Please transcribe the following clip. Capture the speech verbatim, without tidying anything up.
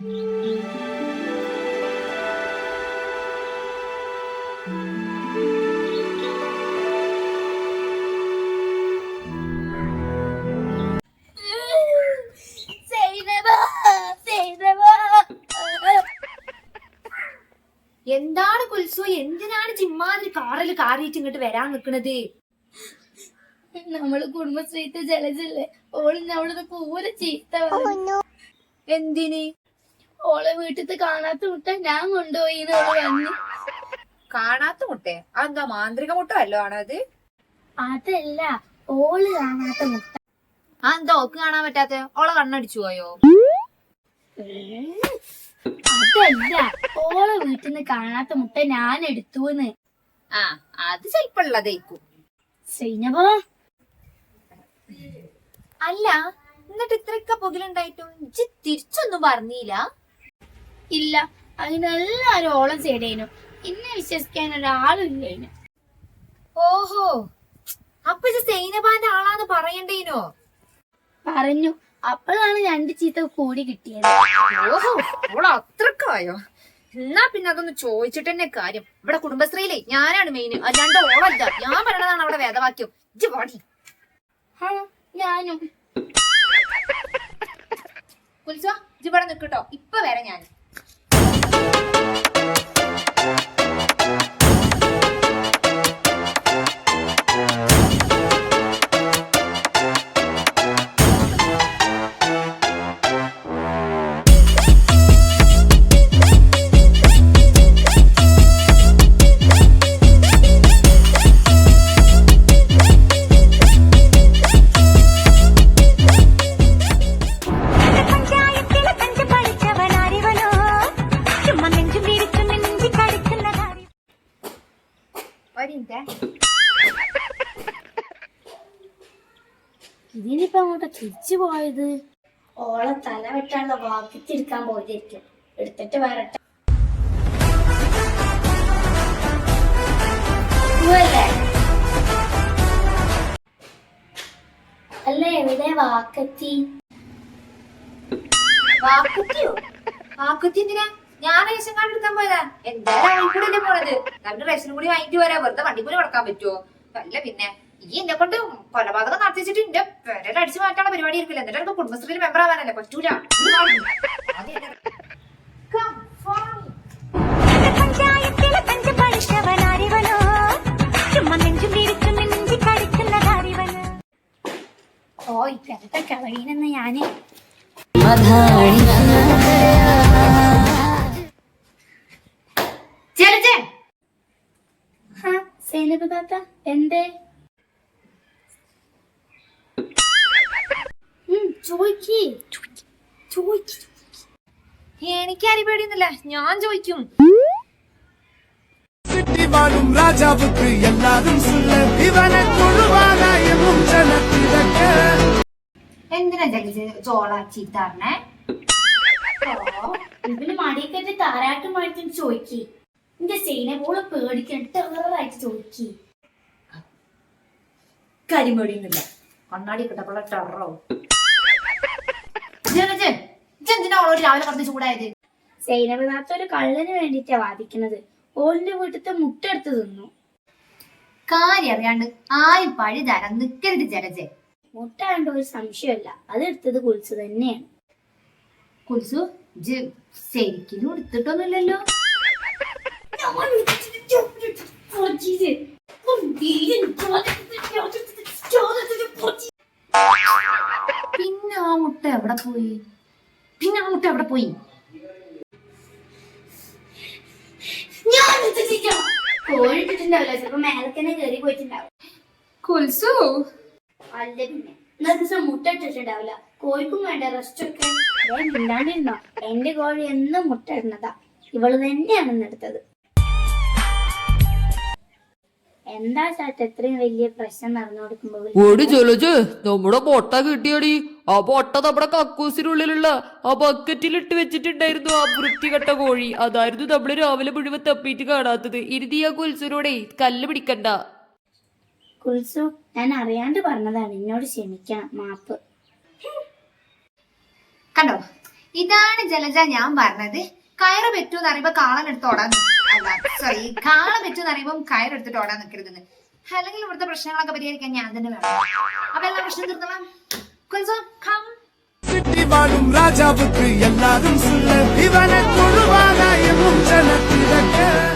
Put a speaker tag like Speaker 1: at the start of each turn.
Speaker 1: എന്താണ് കുൽസു? എന്തിനാണ് ജിമ്മാതിരി കാറിൽ കാറിയിട്ട് ഇങ്ങോട്ട് വരാൻ നിക്കണത്?
Speaker 2: നമ്മള് കുടുംബശ്രീത്തെ ജലജല്ലേ, ഓള് നമ്മളത് പൂരെ ചീത്ത.
Speaker 1: എന്തിന്?
Speaker 2: ഓളെ വീട്ടിൽ കാണാത്ത മുട്ട ഞാൻ കൊണ്ടുപോയി വന്ന്.
Speaker 1: കാണാത്ത മുട്ടേ? അതെന്താ മാന്ത്രിക മുട്ട വല്ലോ ആണത്?
Speaker 2: അതല്ല, ഓള് കാണാത്ത മുട്ട.
Speaker 1: അതെന്താ ഓക്ക് കാണാൻ പറ്റാത്ത? ഓളെ കണ്ണടിച്ചു പോയോ?
Speaker 2: അതല്ല, ഓളെ വീട്ടിൽ നിന്ന് കാണാത്ത മുട്ട ഞാൻ എടുത്തുന്ന്.
Speaker 1: ആ, അത് ചെലപ്പുള്ളതേക്കും.
Speaker 2: സൈനബോ,
Speaker 1: അല്ല എന്നിട്ട് ഇത്രയൊക്കെ പുകലുണ്ടായിട്ടും ഇജ്ജ് തിരിച്ചൊന്നും പറഞ്ഞില്ല?
Speaker 2: ഇല്ല, അതിനെല്ലാരും ഓളം ചെയ്തേനു. ഇന്നെ വിശ്വസിക്കാൻ ഒരാളും ഇല്ലേനു.
Speaker 1: ഓഹോ, അപ്പൊ ഇജ്ജ് സൈനബാന്റെ ആളാന്ന് പറയണ്ടേനോ?
Speaker 2: പറഞ്ഞു. അപ്പോഴാണ് രണ്ട് ചീത്ത കൂടി കിട്ടിയത്.
Speaker 1: ഓഹോ, ഓള അത്രക്കായോ? എന്നാ പിന്നെ അതൊന്ന് ചോദിച്ചിട്ട് തന്നെ കാര്യം. ഇവിടെ കുടുംബശ്രീയിലെ ഞാനാണ് മെയിൻ, അല്ലാണ്ട് ഓളല്ല. ഞാൻ പറയണതാണ് അവിടെ വേദവാക്യം. ഇജ്ജ് പാടി.
Speaker 2: ഞാനും
Speaker 1: കുൽസോ, ഇജ്ജ് ഇവിടെ നിക്കട്ടോ, ഇപ്പൊ വരാം ഞാൻ.
Speaker 2: ഇതിനിപ്പോ അങ്ങോട്ട് തിരിച്ചു പോയത്? ഓളെ തല വെട്ടാനുള്ള വാക്കിത്തിരിക്കാൻ പോയിരിക്കും. എടുത്തിട്ട് വരട്ടെ. അല്ല, എവിടെ വാക്കത്തി?
Speaker 1: വാക്കുത്തിയോ? വാക്കുത്തി എന്തിനാ? ഞാൻ റേഷൻ കാർഡ് എടുക്കാൻ പോയതാ. എന്തായാലും കൂടെ പോണത്. രണ്ട് റേഷനും കൂടി വാങ്ങിട്ട് വരാ. വെറുതെ വണ്ടി കൂടി കൊടുക്കാൻ പറ്റുമോ? അല്ല പിന്നെ ഈ എന്നെ കൊണ്ട് കൊലപാതകം നടത്തിച്ചിട്ട് എന്റെ പെരൽ അടിച്ചു മാറ്റാനുള്ള പരിപാടി ആയിരിക്കില്ല. എന്നിട്ട് എനിക്ക് കുടുംബശ്രീയിൽ മെമ്പർ ആവാനല്ലേ പറ്റൂല.
Speaker 2: ഓ, ഇപ്പഴത്തെ കളീനെന്ന് ഞാന് സൈനബ് താത്ത എന്തേ?
Speaker 1: എനിക്ക് ആരും പേടിയൊന്നുമില്ല, ഞാൻ ചോദിക്കും.
Speaker 3: രാജാവുക്ക് എല്ലാരും
Speaker 1: എന്തിനാ ചോള ചീത്താറിനെ?
Speaker 2: ഇവന് മടിയൊക്കെ താരാട്ടും മാറ്റി ചോദിക്കി. എന്റെ സൈനബോളെ പേടിക്കാൻ ടെററായിട്ട് ചോദിക്കി.
Speaker 1: കരിമേടിയൊന്നുമില്ല, കണ്ണാടി കിട്ടപ്പോഴുള്ള ടെററോ. എന്തിനാ അവളോട് രാവിലെ പറഞ്ഞ് ചൂടായത്?
Speaker 2: സൈനബ് താത്ത ഒരു കള്ളന് വേണ്ടിട്ടാ വാദിക്കുന്നത്. ഓളിന്റെ വീട്ടിലത്തെ മുട്ട എടുത്ത് തിന്നു.
Speaker 1: കാര്യം അറിയാണ്ട് ആരും പഴി തരാൻ നിക്കരുത് ജലജെ.
Speaker 2: മുട്ട കണ്ട ഒരു സംശയമല്ല, അത് എടുത്തത് കുൽസു തന്നെയാണ്.
Speaker 1: കുൽസു, ശരിക്കും എടുത്തിട്ടൊന്നുമില്ലല്ലോ. പിന്നെ ആ മുട്ട എവിടെ പോയി? പിന്നെ ആ മുട്ട എവിടെ പോയി?
Speaker 2: കോഴിട്ടിട്ടുണ്ടാവില്ല, ചിലപ്പോ മേലക്കന്നെ കയറി പോയിട്ടുണ്ടാവും.
Speaker 1: കുൽസു,
Speaker 2: അല്ല പിന്നെ ഇന്നത്തെ ദിവസം മുട്ട ഇട്ടിട്ടുണ്ടാവില്ല. കോഴിക്കും വേണ്ട റെസ്റ്റ് ഒക്കെ. മിണ്ടാണ്ടിരുന്നോ? എന്റെ കോഴി എന്നും മുട്ട ഇടുന്നതാ. ഇവള് തന്നെയാണ് എടുത്തത്. എന്താ ചാറ്റ ഇത്രയും വലിയ പ്രശ്നം നടന്നു കൊടുക്കുമ്പോ
Speaker 4: നമ്മുടെ പൊട്ട കിട്ടിയടി. ആ പൊട്ട നമ്മുടെ കക്കൂസിനുള്ളിലുള്ള ആ ബക്കറ്റിലിട്ട് വെച്ചിട്ടുണ്ടായിരുന്നു. ആ വൃത്തികെട്ട കോഴി അതായിരുന്നു നമ്മള് രാവിലെ മുഴുവൻ തപ്പിയിട്ട് കാണാത്തത്. ഇരുതി ആ കുൽസുനോടെ കല്ല് പിടിക്കണ്ട.
Speaker 2: കുൽസു, ഞാൻ അറിയാണ്ട് പറഞ്ഞതാണ്, എന്നോട് ക്ഷമിക്കണം, മാപ്പ്.
Speaker 1: കണ്ടോ, ഇതാണ് ജലജ ഞാൻ പറഞ്ഞത്. കയറ് പറ്റൂന്ന് അറിയുമ്പോ കാളനെടുത്ത് ഓടാൻ അല്ല സോറി കാള പറ്റൂന്ന് അറിയുമ്പോ കയറെടുത്തിട്ട് ഓടാൻ നിൽക്കരുതെന്ന്. അല്ലെങ്കിൽ ഇവിടുത്തെ പ്രശ്നങ്ങളൊക്കെ പരിഹരിക്കാൻ ഞാൻ തന്നെ വേണം. അപ്പൊ എല്ലാ പ്രശ്നം തീർന്നോളാം. കുൽസോം കം.
Speaker 3: சிட்டி வாழும் ராஜாவுக்கு எல்லாரும் சொல்ல இவனை கொழுவானா என்னும் ஜனத்திரக்க